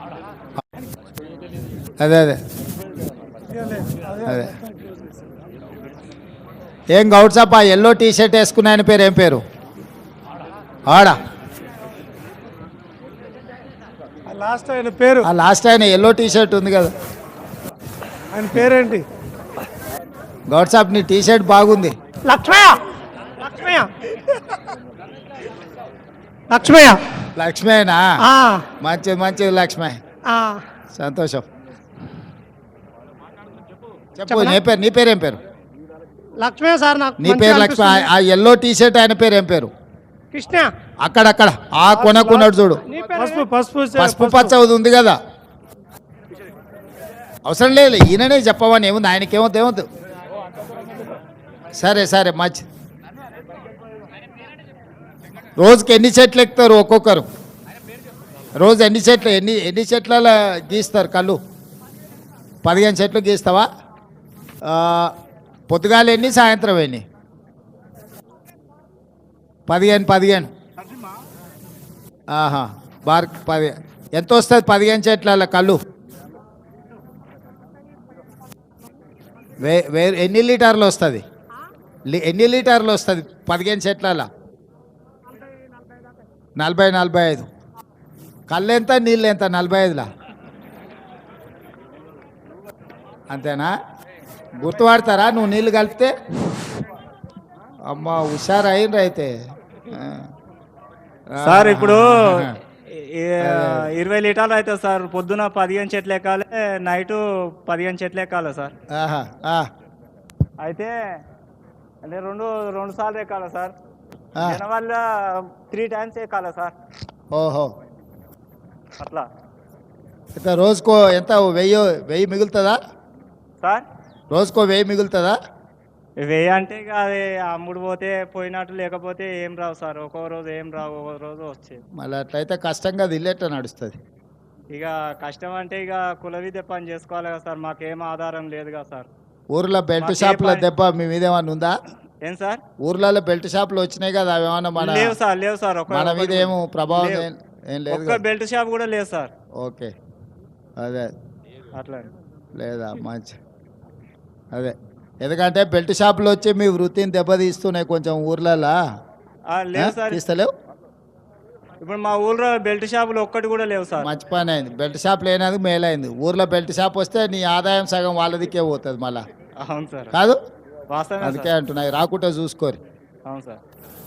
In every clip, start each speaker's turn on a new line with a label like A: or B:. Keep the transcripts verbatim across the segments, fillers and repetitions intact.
A: అదే అదే అదే ఏం గౌడ్ సాబ్, ఆ ఎల్లో టీ షర్ట్ వేసుకున్న ఆయన పేరు ఏం పేరు? ఆడా
B: లాస్ట్ ఆయన పేరు,
A: ఆ లాస్ట్ ఆయన ఎల్లో టీ షర్ట్ ఉంది కదా,
B: ఆయన పేరేంటి?
A: గౌడ్ సాబ్ నీ టీ షర్ట్ బాగుంది.
B: లక్ష్మయ్య లక్ష్మయ్య లక్ష్మయ్య
A: లక్ష్మేనా?
B: ఆ,
A: మంచిది మంచిది లక్ష్మే,
B: ఆ.
A: సంతోషం. చెప్పు
B: చెప్పనా?
A: నీ పేరు నీ పేరు ఏం పేరు?
B: లక్ష్మయ్య సార్, నాకు
A: నీ
B: మంచిగా
A: పేరు లక్ష్మి.
B: అనిపిస్తుంది.
A: ఆ ఎల్లో టీ షర్ట్ ఆయన పేరు ఏం పేరు?
B: కృష్ణ.
A: అక్కడక్కడ ఆ కొనకున్నాడు చూడు,
B: నీ పేరు పసుపు పసుపు
A: పసుపు పచ్చ ఉంది కదా. అవసరం లేదు, ఈయననే చెప్పమని ఏముంది, ఆయనకేమవుతుంది ఏమవుతుంది. సరే సరే మంచి. రోజుకి ఎన్ని చెట్లు ఎక్కుతారు ఒక్కొక్కరు? రోజు ఎన్ని చెట్లు ఎన్ని ఎన్ని చెట్ల గీస్తారు కళ్ళు? పదిహేను చెట్లు గీస్తావా? పొద్దుగాల ఎన్ని, సాయంత్రం ఎన్ని? పదిహేను పదిహేను ఆహా బార్ పది ఎంత వస్తుంది పదిహేను చెట్ల కళ్ళు? వే వే ఎన్ని లీటర్లు వస్తుంది? ఎన్ని లీటర్లు వస్తుంది పదిహేను చెట్ల? నలభై నలభై ఐదు. కళ్ళు ఎంత, నీళ్ళు ఎంత? నలభై ఐదులా? అంతేనా? గుర్తుపడతారా నువ్వు నీళ్ళు కలిపితే? అమ్మ హుషారు అయిండ్రు అయితే.
C: సార్ ఇప్పుడు ఇరవై లీటర్లు అవుతుంది సార్. పొద్దున పదిహేను చెట్లు ఎక్కాలి, నైటు పదిహేను చెట్లు ఎక్కాలి సార్.
A: ఆహా, ఆ.
C: అయితే అంటే రెండు రెండు సార్లు ఎక్కాలి సార్.
A: ఆ.
C: వల్ల త్రీ టైమ్స్ ఎక్కాలి సార్.
A: ఓహో,
C: అట్లా
A: అయితే రోజుకో ఎంత, వెయ్యి వెయ్యి మిగులుతుందా
C: సార్?
A: రోజుకో వెయ్యి మిగులుతుందా?
C: వెయ్యి అంటే ఇక అది అమ్ముడు పోతే పోయినట్టు, లేకపోతే ఏం రావు సార్. ఒక్కో రోజు ఏం రావు, ఒక్కో రోజు వచ్చేది.
A: మళ్ళీ అట్లయితే కష్టంగా దిల్లేట నడుస్తుంది.
C: ఇక కష్టం అంటే ఇక కుల విద్య పని చేసుకోవాలి కదా సార్. మాకేం ఆధారం లేదు కదా సార్.
A: ఊర్లో బెల్ట్
C: మాకే
A: షాపుల
C: పని-
A: దెబ్బ మీ మీద ఏమన్నా ఉందా?
C: ఏం సార్?
A: ఊర్లలో బెల్ట్ షాపులు వచ్చినాయి కదా, అవి ఏమన్నా మన
C: లేవు సార్, లేవు సార్. ఒక్క-
A: మన మీద ఏమో ప్రభావం
C: లేవు.
A: ఏం- ఏం లేదు
C: ఒక్క
A: కదా?
C: బెల్ట్ షాప్ కూడా లేదు సార్.
A: ఓకే, అదే
C: అట్లా
A: లేదా మంచి. అదే ఎందుకంటే బెల్ట్ షాపులు వచ్చి మీ వృత్తిని దెబ్బతీస్తున్నాయి కొంచెం ఊర్లలో.
C: ఆ, లేవు సార్.
A: తీస్తలేవు?
C: ఇప్పుడు మా ఊళ్ళో బెల్ట్ షాపులు ఒక్కటి కూడా లేవు సార్.
A: మంచి పని అయింది, బెల్ట్ షాప్ లేనందుకు మేలైంది. ఊర్లో బెల్ట్ షాప్ వస్తే నీ ఆదాయం సగం వాళ్ళదికే పోతుంది మళ్ళా,
C: అవును సార్,
A: కాదు?
C: వాస్తవమే
A: అందుకే
C: సార్.
A: అంటున్నాయి, రాకుంటే చూసుకోరు.
C: అవును సార్.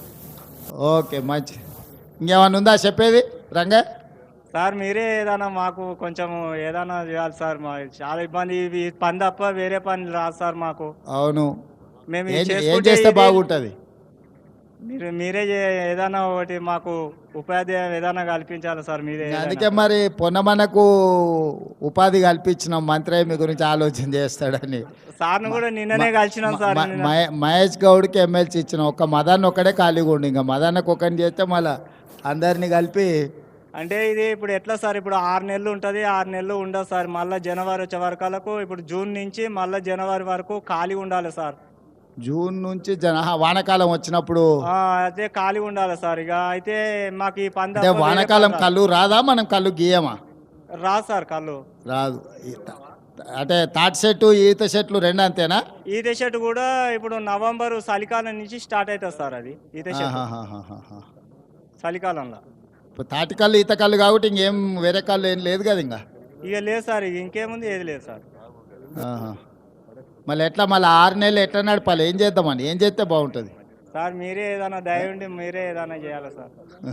A: ఓకే మంచి. ఇంకేమన్నా ఉందా చెప్పేది రంగా?
C: సార్ మీరే ఏదైనా మాకు కొంచెం ఏదైనా చేయాలి సార్. మా చాలా ఇబ్బంది, ఇవి పని తప్ప వేరే పని రాదు సార్ మాకు.
A: అవును,
C: మేము
A: ఏం
C: ఇది
A: ఏం
C: చేసుకుంటే
A: చేస్తే
C: ఇది-
A: బాగుంటుంది?
C: మీరు మీరే చే- ఏదైనా ఒకటి మాకు ఉపాధి ఏదైనా కల్పించాలి సార్. మీరే ఏదైనా.
A: అందుకే మరి పొన్నమనకు ఉపాధి కల్పించిన మంత్రి మీ గురించి ఆలోచన చేస్తాడని
C: సార్ను కూడా నిన్ననే కలిసినాం సార్.
A: మ-
C: నిన్న.
A: మహే- మహేష్ గౌడ్కి ఎమ్మెల్సీ ఇచ్చిన ఒక్క మదాన్ని ఒక్కడే ఖాళీగా ఉండి, ఇంకా మదాన్నకు ఒకరిని చేస్తే మళ్ళీ అందరినీ కలిపి.
C: అంటే ఇది ఇప్పుడు ఎట్లా సార్? ఇప్పుడు ఆరు నెలలు ఉంటుంది, ఆరు నెలలు ఉండదు సార్. మళ్ళీ జనవరి వచ్చే వరకలకు, ఇప్పుడు జూన్ నుంచి మళ్ళీ జనవరి వరకు ఖాళీ ఉండాలి సార్.
A: జూన్ నుంచి జన ఆహా, వానాకాలం వచ్చినప్పుడు
C: ఆ, అయితే ఖాళీ ఉండాలి సార్. ఇక అయితే మాకు ఈ పంద
A: అంటే వానాకాలం కళ్ళు రాదా? మనం కళ్ళు గీయమా?
C: రాదు సార్ కళ్ళు.
A: రాదు. ఈ త- అంటే తాటి చెట్టు ఈత చెట్లు రెండు అంతేనా?
C: ఈత చెట్టు కూడా ఇప్పుడు నవంబర్ చలికాలం నుంచి స్టార్ట్ అవుతుంది సార్. అది ఈత చెట్టు
A: ఆహాహాహాహా.
C: చలికాలంలో.
A: ఇప్పుడు తాటి కళ్ళు ఈత కళ్ళు కాబట్టి ఇంకేం వేరే కళ్ళు ఏం లేదు కదా ఇంకా.
C: ఇక లేదు సార్, ఇక ఇంకేముంది, ఏది లేదు సార్.
A: ఆహా. మళ్ళీ ఎట్లా మళ్ళీ ఆరు నెలలు ఎట్లా నడపాలి? ఏం చేద్దామని, ఏం చేస్తే బాగుంటుంది?
C: సార్ మీరే ఏదైనా దయ ఉండి మీరే ఏదైనా చేయాలి సార్.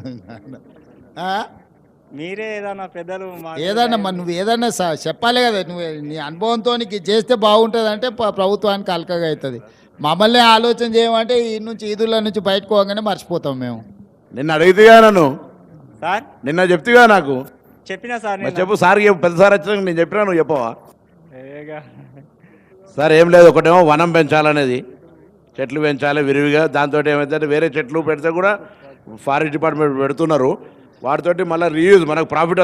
A: ఆ?
C: మీరే ఏదైనా పెద్దలు మాకు
A: ఏదన్నా మరి నువ్వు ఏదన్నా స- చెప్పాలి కదా. నువ్వు నీ అనుభవంతో నీకు ఇది చేస్తే బాగుంటుంది అంటే ప- ప్రభుత్వానికి అలకగా అవుతుంది. మమ్మల్ని ఆలోచన చేయమంటే ఈ నుంచి ఈదుల నుంచి బయటకు పోగానే మర్చిపోతాం మేము.
D: నిన్న అడిగితేగా నన్ను,
C: సార్
D: నిన్న చెప్తిగా నాకు.
C: చెప్పినా సార్
D: మరి
C: నిన్న.
D: చెప్పు సార్, చెప్పు. పెద్ద సార్ వచ్చినాక నేను చెప్పినా, నువ్వు చెప్పవా?
C: ఏగా.
D: సార్ ఏం లేదు, ఒకటేమో వనం పెంచాలనేది, చెట్లు పెంచాలి విరివిగా. దాంతో ఏమైతే వేరే చెట్లు పెడితే కూడా ఫారెస్ట్ డిపార్ట్మెంట్ పెడుతున్నారు, వాటితోటి మళ్ళీ రీయూజ్ మనకు ప్రాఫిట్